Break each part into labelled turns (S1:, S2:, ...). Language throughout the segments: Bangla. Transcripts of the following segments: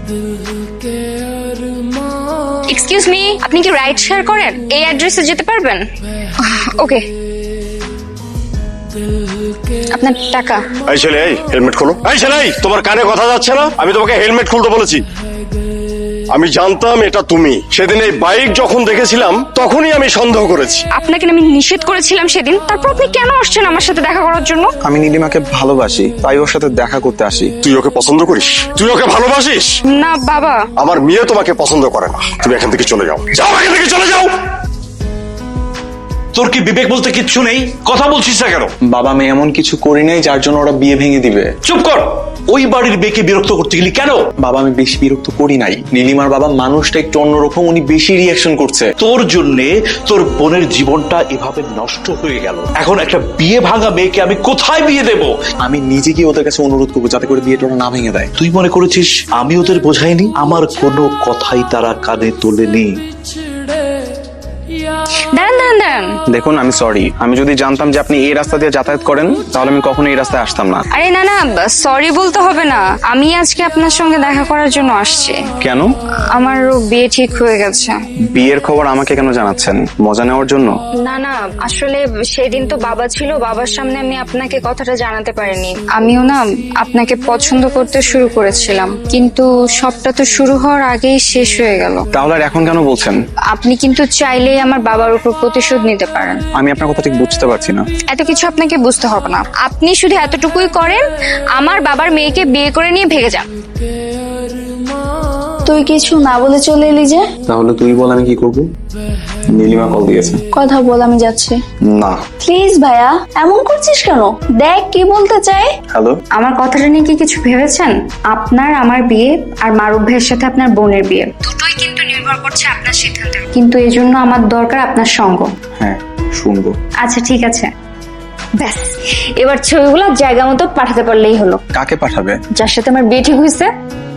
S1: এক্সকিউজ মি, আপনি কি রাইড শেয়ার করেন? এই অ্যাড্রেসে যেতে পারবেন? ওকে, আপনার টাকা।
S2: এই ছেলে, এই হেলমেট খোলো। এই ছেলে, এই তোমার কানে কথা যাচ্ছে না? আমি তোমাকে হেলমেট খুলতে বলেছি। আমি জানতাম এটা তুমি। সেদিন এই বাইক যখন দেখেছিলাম তখনই আমি সন্দেহ করেছি।
S1: আপনাকে আমি নিষেধ করেছিলাম সেদিন, তারপর আপনি কেন আসছেন আমার সাথে দেখা করার জন্য?
S3: আমি নীলিমাকে ভালোবাসি, তাই ওর সাথে দেখা করতে আসি।
S2: তুই ওকে পছন্দ করিস? তুই ওকে ভালোবাসিস?
S1: না বাবা।
S2: আমার মেয়ে তোমাকে পছন্দ করে না। তুমি এখান থেকে চলে যাও। যাও, এখান থেকে চলে যাও।
S4: তোর কি বিবেক বলতে কিচ্ছু নেই? কথা বলছিস না কেন?
S3: বাবা, আমি এমন কিছু করি নাই যার জন্য ওরা বিয়ে ভেঙে দিবে।
S4: চুপ কর। ওই বাড়ির মেয়েকে বিরক্ত করতে গেলি কেন?
S3: বাবা, আমি বেশি বিরক্ত করি নাই। নীলিমার বাবা মানুষটা একটু অন্যরকম, উনি বেশি রিয়াকশন করছে।
S4: তোর জন্যে তোর বোনের জীবনটা এভাবে নষ্ট হয়ে গেল। এখন একটা বিয়ে ভাঙা মেয়েকে আমি কোথায় বিয়ে দেব?
S3: আমি নিজে গিয়ে ওদের কাছে অনুরোধ করবো যাতে করে বিয়েটা ওরা না ভেঙে দেয়।
S4: তুই মনে করেছিস আমি ওদের বোঝাইনি? আমার কোনো কথাই তারা কানে তোলেনি।
S1: দাঁড়ান দাঁড়ান দাঁড়ান।
S3: দেখুন, আমি সরি। আমি যদি জানতাম যে আপনি এই রাস্তা দিয়ে যাতায়াত করেন তাহলে আমি কখনো এই রাস্তায় আসতাম না।
S1: আরে না না, সরি বলতে হবে না। আমি আজকে আপনার সঙ্গে দেখা করার জন্য আসছি।
S3: কেন?
S1: আমারও বিয়ে ঠিক হয়ে গেছে।
S3: বিয়ের খবর আমাকে কেন জানাচ্ছেন? মজা নেওয়ার জন্য?
S1: না না, আসলে সেদিন তো বাবা ছিল, বাবার সামনে আমি আপনাকে কথাটা জানাতে পারিনি। আমিও না আপনাকে পছন্দ করতে শুরু করেছিলাম, কিন্তু সবটা তো শুরু হওয়ার আগেই শেষ হয়ে গেল।
S3: তাহলে আর এখন কেন বলছেন?
S1: আপনি কিন্তু চাইলেই আমার বাবার উপর প্রতিশোধ নিতে পারেন।
S3: আমি আপনার কথা ঠিক বুঝতে পারছি না।
S1: এত কিছু আপনাকে বুঝতে হবে না, আপনি শুধু এতটুকুই করেন, আমার বাবার মেয়েকে বিয়ে করে নিয়ে ভেগে যান।
S5: তুই কিছু না বলে চলে এলি যে?
S3: তাহলে তুই বল আমি কি করব? নীলিমা কল দিয়েছে।
S5: কথা বল, আমি যাচ্ছি।
S3: না।
S5: প্লিজ ভাইয়া, এমন করছিস কেন? দেখ কি বলতে চাই।
S3: হ্যালো।
S1: আমার কথাটা নিয়ে কি কিছু ভেবেছেন? আপনার আমার বিয়ে আর মারুফ ভাইয়ের সাথে আপনার বোনের বিয়ে, দুটোই কিন্তু নির্ভর করছে আপনার সিদ্ধান্তে। কিন্তু এই জন্য আমার দরকার আপনার সঙ্গ।
S3: হ্যাঁ, শুনবো।
S1: আচ্ছা ঠিক আছে, ব্যাস এবার ছবিগুলো জায়গা মতো পাঠাতে পারলেই হলো।
S3: কাকে পাঠাবে?
S1: যার সাথে আমার বিয়ে ঠিক হয়েছে।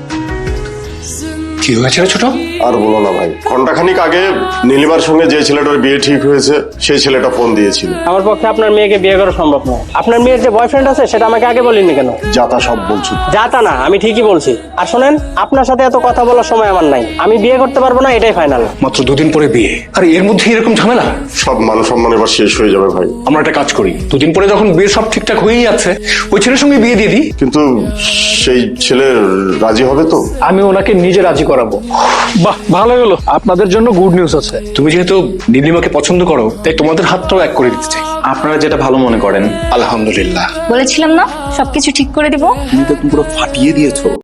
S4: কি হয়েছে ছোট?
S2: আর বলো না ভাই, ঘন্টাখানিক আগে নীলিমার সঙ্গে যে ছেলেটার বিয়ে ঠিক হয়েছে সেই ছেলেটা ফোন দিয়েছিল।
S6: আমার পক্ষে আপনার মেয়েকে বিয়ে করা সম্ভব নয়। আপনার মেয়ের যে বয়ফ্রেন্ড আছে সেটা আমাকে আগে বলেননি কেন?
S2: যা তা সব বলছো।
S6: যা তা না, আমি ঠিকই বলছি। আর শোনেন, আপনার সাথে এত কথা বলার সময় আমার নাই। আমি বিয়ে করতে পারবো না, এটাই ফাইনাল।
S7: মাত্র দুদিন পরে বিয়ে, আর এর মধ্যে এরকম ঝামেলা?
S2: সব মান সম্মান এবার শেষ হয়ে যাবে ভাই।
S7: আমরা একটা কাজ করি, দুদিন পরে যখন বিয়ে সব ঠিকঠাক হয়েই যাচ্ছে ওই ছেলের সঙ্গে বিয়ে দিয়ে দিই।
S2: কিন্তু সেই ছেলে রাজি হবে তো?
S6: আমি ওনাকে নিজে রাজি করাবো।
S7: বাহ, ভালো হলো। আপনাদের জন্য গুড নিউজ আছে। তুমি যেহেতু নীলিমাকে পছন্দ করো তাই তোমাদের হাতটাও এক করে দিতে চাই।
S3: আপনারা যেটা ভালো মনে করেন।
S7: আলহামদুলিল্লাহ।
S1: বলেছিলাম না সবকিছু ঠিক করে দিব।
S3: তুমি তো পুরো ফাটিয়ে দিয়েছো।